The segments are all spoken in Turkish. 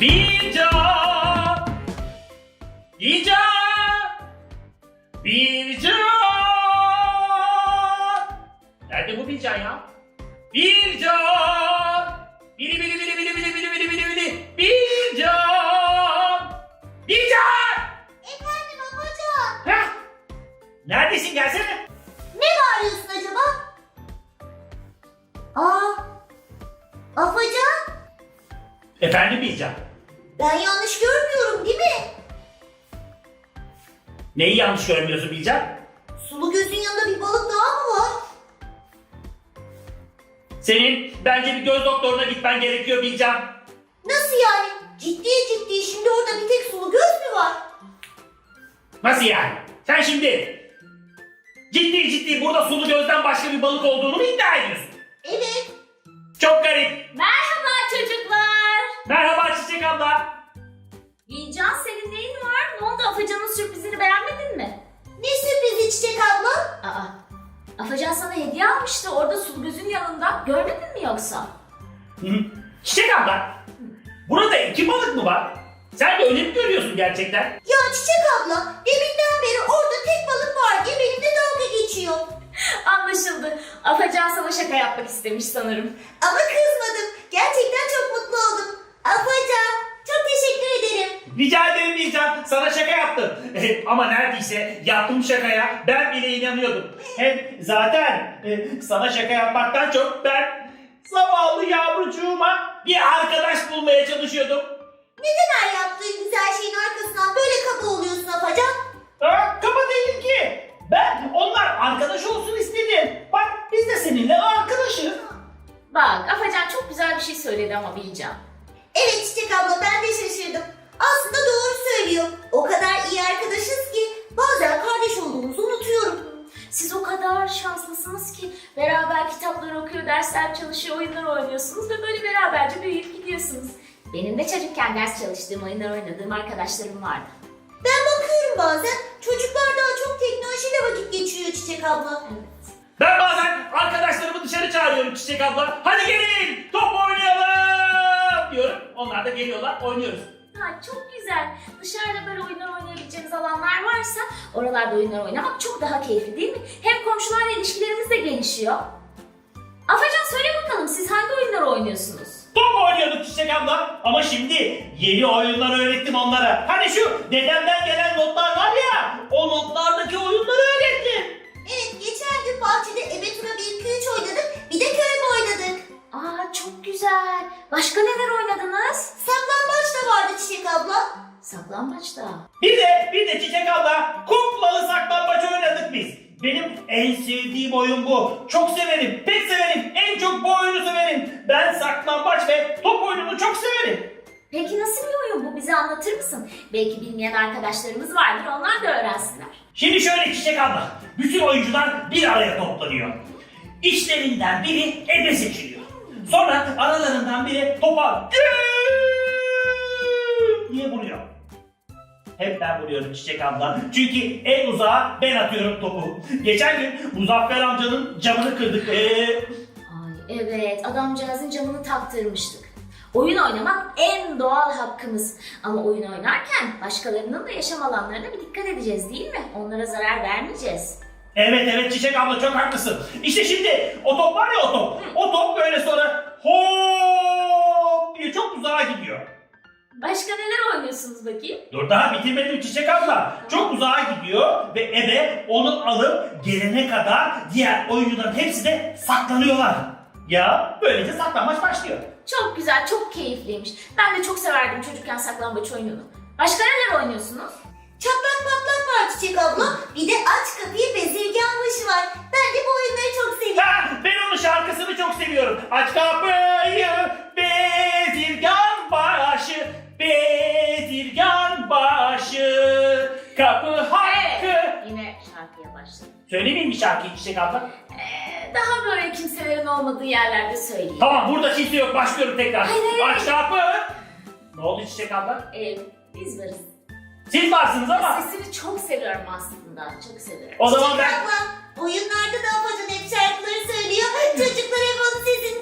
Bircan! Bircan! Bircan! Nerede bu Bircan ya? Bircan! Bili bili bili bili bili bili bili bili bili. Bircan! Bircan! Efendim Afacan. Heh! Neredesin, gelsene. Ne bağırıyorsun acaba? Afacan. Efendim Bircan? Ben yanlış görmüyorum değil mi? Neyi yanlış görmüyorsun Bircan? Sulu gözün yanında bir balık daha mı var? Senin bence bir göz doktoruna gitmen gerekiyor Bircan. Nasıl yani? Ciddi şimdi orada bir tek sulu göz mü var? Nasıl yani? Sen şimdi ciddi burada sulu gözden başka bir balık olduğunu mu iddia ediyorsun? Evet. Çok garip. Merhaba çocuklar. Merhaba Çiçek abla. Bilcan senin neyin var? Ne oldu, Afacan'ın sürprizini beğenmedin mi? Ne sürprizi Çiçek abla? Aa, Afacan sana hediye almıştı orada Sulgöz'ün yanında. Görmedin mi yoksa? Hı. Çiçek abla, burada iki balık mı var? Sen de öyle mi görüyorsun gerçekten? Ya Çiçek abla deminden beri orada tek balık var diye benimle dalga geçiyor. Anlaşıldı. Afacan sana şaka yapmak istemiş sanırım. Ama kızmadım. Gerçekten çok mutlu oldum. Afacan çok teşekkür ederim. Rica ederim Bircan, sana şaka yaptım. Ama neredeyse yaptığım şakaya ben bile inanıyordum. Hem zaten sana şaka yapmaktan çok ben zavallı yavrucuğuma bir arkadaş bulmaya çalışıyordum. Neden her yaptığın güzel şeyin arkasından böyle kaba oluyorsun Afacan? Kaba değilim ki. Ben onlar arkadaş olsun istedim. Bak biz de seninle arkadaşız. Bak, Afacan çok güzel bir şey söyledi ama Bilcan. Evet Çiçek abla ben de şaşırdım. Aslında doğru söylüyor. O kadar iyi arkadaşız ki bazen kardeş olduğumuzu unutuyorum. Siz o kadar şanslısınız ki beraber kitaplar okuyor, dersler çalışıyor, oyunlar oynuyorsunuz ve böyle beraberce büyüyüp gidiyorsunuz. Benim de çocukken ders çalıştığım, oyunlar oynadığım arkadaşlarım vardı. Ben bakıyorum bazen çocuklar daha çok teknolojiyle vakit geçiriyor Çiçek abla. Evet. Ben bazen arkadaşlarımı dışarı çağırıyorum Çiçek abla. Hadi gelin top oynayalım diyorum. Onlar da geliyorlar, oynuyoruz. Ha, çok güzel. Dışarıda böyle oyunlar oynayabileceğiniz alanlar varsa oralarda oyunlar oynamak çok daha keyifli değil mi? Hem komşularla ilişkilerimiz de gelişiyor. Afacan söyle bakalım, siz hangi oyunları oynuyorsunuz? Top oynuyorduk Çiçek abla ama şimdi yeni oyunlar öğrettim onlara. Hani şu dedemden gelen notlar var ya, o notlardaki oyunları öğrettim. Evet geçen gün bahçede Ebetura 1-2-3 oynadık bir de körebe oynadık. Aa, çok güzel. Başka neler oynadınız? Saklambaç da vardı Çiçek abla. Saklambaçta. Bir de Çiçek abla kuklalı saklambaç oynadık biz. Benim en sevdiğim oyun bu. Çok severim, pek severim. En çok bu oyunu severim. Ben saklambaç ve top oyununu çok severim. Peki nasıl bir oyun bu? Bize anlatır mısın? Belki bilmeyen arkadaşlarımız vardır, onlar da öğrensinler. Şimdi şöyle Çiçek abla, bütün oyuncular bir araya toplanıyor. İçlerinden biri ebe seçiliyor. Sonra aralarından biri topa gül diye vuruyor. Hep ben vuruyorum Çiçek abla. Çünkü en uzağa ben atıyorum topu. Geçen gün Muzaffer amcanın camını kırdık. Ay evet, adamcağızın camını taktırmıştık. Oyun oynamak en doğal hakkımız. Ama oyun oynarken başkalarının da yaşam alanlarına bir dikkat edeceğiz değil mi? Onlara zarar vermeyeceğiz. Evet Çiçek abla çok haklısın. İşte şimdi o top var ya o top. O top böyle sonra hop diye çok uzağa gidiyor. Başka neler oynuyorsunuz bakayım? Dur daha bitirmedim Çiçek abla. Çok uzağa gidiyor ve ebe onu alıp gelene kadar diğer oyuncuların hepsi de saklanıyorlar. Ya böylece saklanmaç başlıyor. Çok güzel, çok keyifliymiş. Ben de çok severdim çocukken saklambaç oyununu. Başka neler oynuyorsunuz? Çatlak patlak var Çiçek abla. Bir de aç kapıyı bezirgan başı var. Ben de bu oyunları çok seviyorum. Ha, ben onun şarkısını çok seviyorum. Aç kapıyı bezirgan başı, bezirgan başı, kapı hakkı. Yine şarkıya başladım. Söylemeyeyim mi şarkıyı Çiçek abla? Daha böyle kimselerin olmadığı yerlerde söyleyeyim. Tamam burada kimse yok başlıyorum tekrar. Hayır. Aç kapı. Ne oldu Çiçek abla? Biz varız. Siz varsınız ama. Sesini çok seviyorum aslında. Çok seviyorum. O zaman Çiçek ben... abla oyunlarda da Afacan hep şarkıları söylüyor. Çocuklar hep onun sesini duyup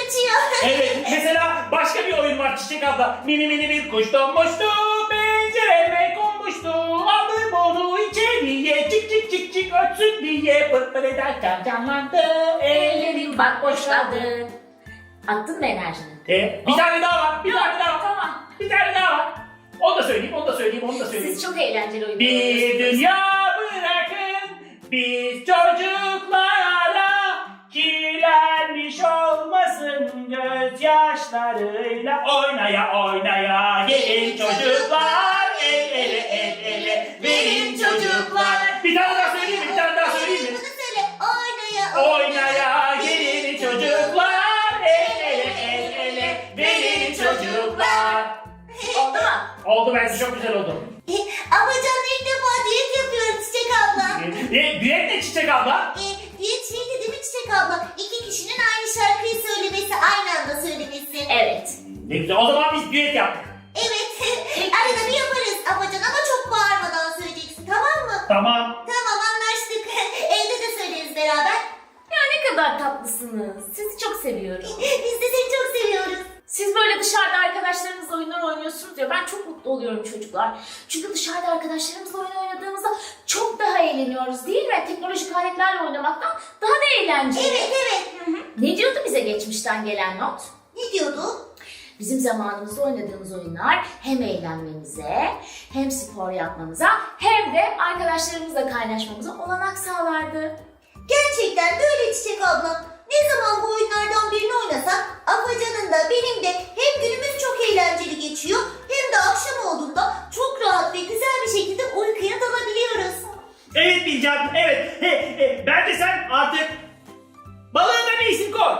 uçuyor. Evet, mesela başka bir oyun var Çiçek abla. Mini mini bir kuş donmuştu, pencereme konmuştu. Aldım onu içeriye, çık çık çık çık ötsün diye. Pır pır ederken canlandı, Ellerim bak boşladı. Attın mı enerjini? Bir tane daha var, bir tane daha var. Tamam. Bir tane daha var. Onu da söyleyeyim, onu da söyleyeyim, onu da söyleyeyim. Siz çok eğlenceli oyunlar Bir oynuyorsunuz. dünya bırakın, biz çocuklara kirlenmiş olmasın gözyaşlarıyla oynaya oynaya gelin çocuklar el ele el ele verin çocuklar. Bir tane daha söyleyeyim mi? Bir tane daha söyleyeyim mi? Bunu söyle. Oynaya Oynaya gelin çocuklar el ele el ele verin çocuklar. Oldu mu? Oldu bence çok güzel oldu. Afacan ilk defa diyet yapıyorum Çiçek abla. Düet ne Çiçek abla? Diyet şeydi değil mi Çiçek abla? İki kişinin aynı şarkıyı söylemesi, aynı anda söylemesi. Evet. Ne güzel. O zaman biz düet yaptık. Evet. Arada bir yaparız Afacan ama çok bağırmadan söyleyeceksin, tamam mı? Tamam. Tamam, anlaştık. Evde de söyleriz beraber. Ya ne kadar tatlısınız. Sizi çok seviyorum. Biz de seni çok seviyoruz. Siz böyle dışarıda arkadaşlarınızla oyunlar oynuyorsunuz ya, ben çok mutlu oluyorum çocuklar. Çünkü dışarıda arkadaşlarımızla oyun oynadığımızda çok daha eğleniyoruz değil mi? Teknolojik aletlerle oynamaktan daha da eğlenceli. Evet, evet. Hı hı. Ne diyordu bize geçmişten gelen not? Ne diyordu? Bizim zamanımızda oynadığımız oyunlar hem eğlenmemize, hem spor yapmamıza, hem de arkadaşlarımızla kaynaşmamıza olanak sağlardı. Gerçekten de öyle Çiçek abla. Ne zaman bu oyunlardan birini oynasak Afacan'ın da benim de hem günümüz çok eğlenceli geçiyor hem de akşam olduğunda çok rahat ve güzel bir şekilde uykuya dalabiliyoruz. Evet Bilcan, evet. Bence sen artık balığına bir isim koy.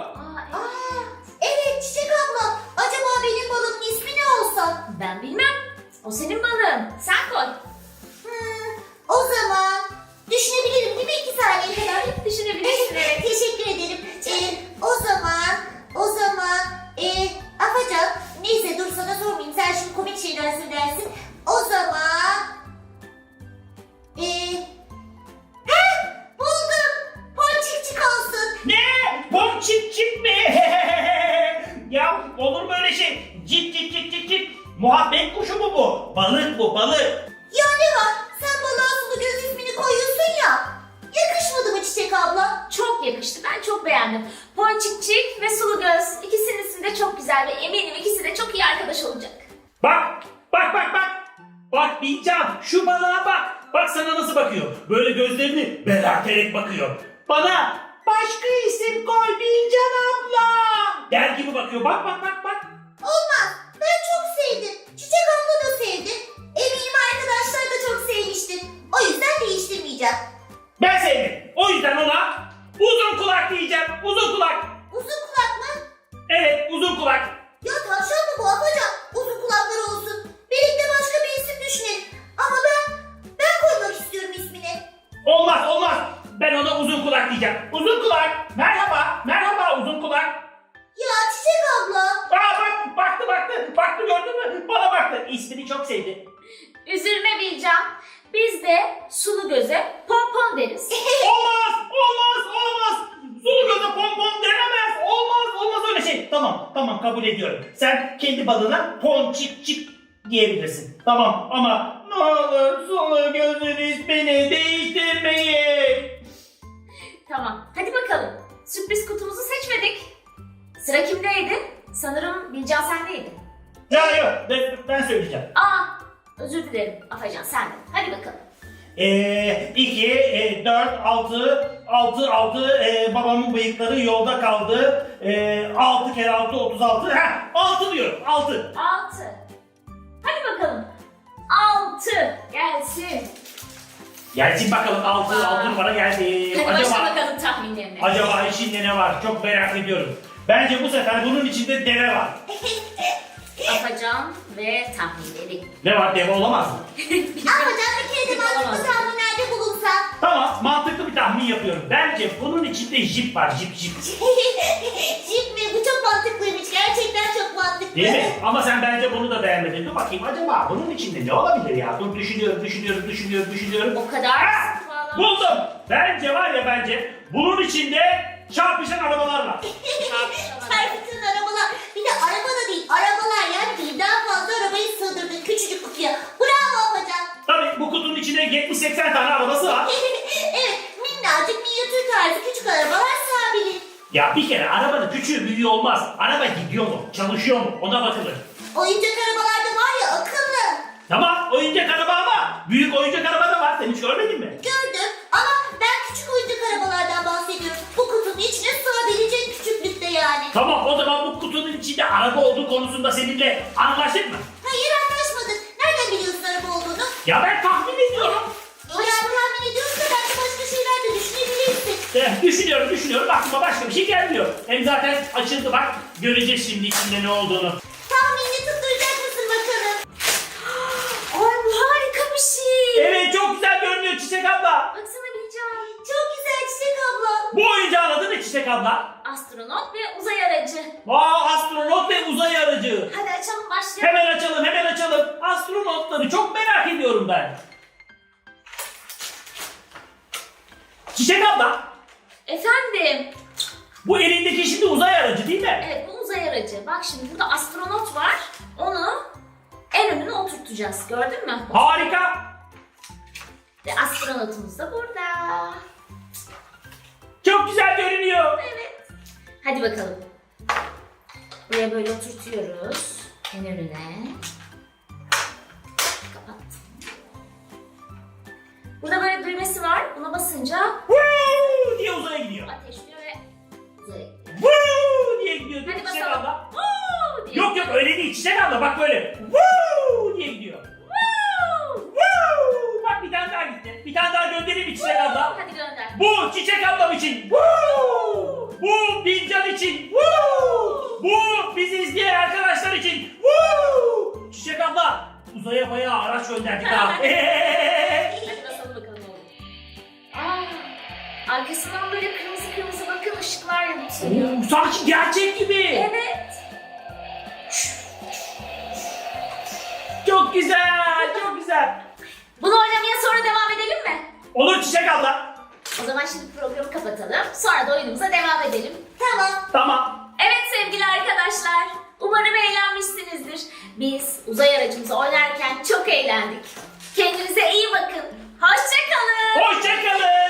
Evet Çiçek abla. Acaba benim balımın ismi ne olsa? Ben bilmem. O senin balığın. Sen koy. O zaman düşünebilirim değil mi 2 saniye kadar? Düşünebilirsin. Evet. Teşekkür ederim. O zaman Afacan, neyse dur sana sormayayım, sen şimdi komik şeyler söylersin. O zaman buldum. Ponçikçik olsun. Ne? Ponçik mi? Ya olur mu öyle şey? Cip cip cip cip cip. Muhabbet kuşu mu bu? Balık bu, balık. Ya ne var? Sen balığa sulu göz ismini koyuyorsun ya. Yakışmadı mı Çiçek abla? Çok yakıştı. Ben çok beğendim. Ponçikçik ve Sulu Göz. İkisinin ismi de çok güzel ve eminim ikisi de çok iyi arkadaş olacak. Bak, bak bak bak. Bak Bilcan, şu balığa bak. Bak sana nasıl bakıyor. Böyle gözlerini berarterek bakıyor. Bana başka isim koy Bilcan abla der gibi bakıyor. Bak bak bak bak. Olmaz. Ben çok sevdim. Çiçek abla da sevdi. Eminim arkadaşlar da çok sevmiştir. O yüzden değiştirmeyeceğim. Ben sevdim. O yüzden ona uzun kulak diyeceğim. Uzun kulak. Uzun kulak mı? Evet, uzun kulak. Ya tavşan mı bu Afacan? Uzun kulakları olsun. Birlikte başka bir isim düşünelim. Ama ben koymak istiyorum ismini. Olmaz, olmaz. Ben ona uzun kulak diyeceğim. Uzun kulak. Merhaba, merhaba uzun kulak. Ya Çiçek abla. Bak, baktı gördün mü? Bana baktı. İsmini çok sevdi. Üzülme Bilcan. Biz de Sulu Göz'e Pompon deriz. Olmaz. Sulu göze pompon denemez. Olmaz öyle şey. Tamam kabul ediyorum. Sen kendi balığına ponçik diyebilirsin. Tamam ama ne olur sulu gözün ismini değiştirmeyin. Tamam. Hadi bakalım. Sürpriz kutumuzu seçmedik. Sıra kimdeydi? Sanırım Bilcan sendeydi. Ya yok ben söyleyeceğim. Özür dilerim. Afacan sen de. Hadi bakalım. 2, 4, 6, babamın bıyıkları yolda kaldı. 6 kere 6, 36. 6 diyorum, 6. 6. Hadi bakalım. 6. Gelsin. Gelsin bakalım 6 numara geldi. Hadi başla bakalım tahminlerine. Acaba içinde ne var? Çok merak ediyorum. Bence bu sefer bunun içinde deve var. Afacan ve tahminleri. Ne var? Deve olamaz mı? Afacan bir kere de mantıklı tahminlerde bulunsan. Tamam, mantıklı bir tahmin yapıyorum. Bence bunun içinde jip var, jip. Jip mi? Bu çok mantıklıymış. Gerçekten çok mantıklı. Değil mi? Ama sen bence bunu da beğenmedin. Dur bakayım acaba bunun içinde ne olabilir ya? Dur düşünüyorum. O kadar Ha! sıkı bağlamış. Buldum. Bence bunun içinde çarpışan arabalar var. Çarpıtın bütün arabalar. Bir de araba da değil, arabalar yani birden fazla arabayı sığdırdın küçücük kutuya. Bravo Afacan. Tabii bu kutunun içine 70-80 tane arabası var. Evet, minnacık minyatür tarzı küçük arabalar sığabilir. Ya bir kere arabanın küçüğü büyüğü olmaz. Araba gidiyor mu? Çalışıyor mu? Ona bakılır. Oyuncak arabalarda var ya akıllı. Tamam oyuncak araba ama büyük oyuncak araba da var. Sen hiç görmedin mi? Gördüm ama ben küçük oyuncak arabalardan bahsediyorum. Bu kutunun içine sığabilecek küçüklükte yani. Tamam o zaman bu kutunun içinde araba olduğu konusunda seninle anlaştık mı? Hayır anlaşmadık. Nereden biliyorsun araba olduğunu? Ya ben tahmin ediyorum. Eğer tahmin ediyorsa belki başka şeyler de düşünebilirsin. Düşünüyorum. Aklıma başka bir şey gelmiyor. Hem zaten açıldı bak. Göreceğiz şimdi içinde ne olduğunu. Tahminini tutturacak mısın bakalım? Ay bu harika bir şey. Evet çok güzel görünüyor Çiçek abla. Baksana Bilcan. Çok güzel Çiçek abla. Bu oyuncağın adı ne Çiçek abla? Astronot ve uzay aracı. Astronot ve uzay aracı. Hadi açalım başlayalım. Hemen açalım. Astronotları çok merak ediyorum ben. Çiçek abla, Efendim. bu elindeki şimdi uzay aracı değil mi? Evet bu uzay aracı. Bak şimdi burada astronot var. Onu en önüne oturtacağız. Gördün mü? Harika. Ve astronotumuz da burada. Çok güzel görünüyor. Evet. Hadi bakalım. Buraya böyle oturtuyoruz. En önüne. Kapat. Burada böyle düğmesi var. Buna basınca Woo diye uzaya gidiyor. ateşliyor ve uzaya gidiyor. Woo diye gidiyor. Hadi Çiçek basalım. abla. Woo diye. Yok öyle değil Çiçek abla bak böyle. Woo diye gidiyor. Woo. Woo. Bak bir tane daha gitti. Bir tane daha göndereyim mi Çiçek abla? Hadi gönder. Bu Çiçek ablam için. Woo. Bu Bilcan için. Woo. Bu bizi izleyen arkadaşlar için. Woo. Çiçek abla uzaya bayağı araç gönderdik ha. Hadi basalım bakalım oğlum. Arkasından böyle kırmızı kırmızı bakın ışıklar yanıyor. Sanki gerçek gibi. Evet. Çok güzel, çok güzel. Bunu oynamaya sonra devam edelim mi? Olur Çiçek abla. O zaman şimdi programı kapatalım. Sonra da oyunumuza devam edelim. Tamam. Tamam. Evet sevgili arkadaşlar. Umarım eğlenmişsinizdir. Biz uzay aracımızı oynarken çok eğlendik. Kendinize iyi bakın. Hoşça kalın. Hoşça kalın.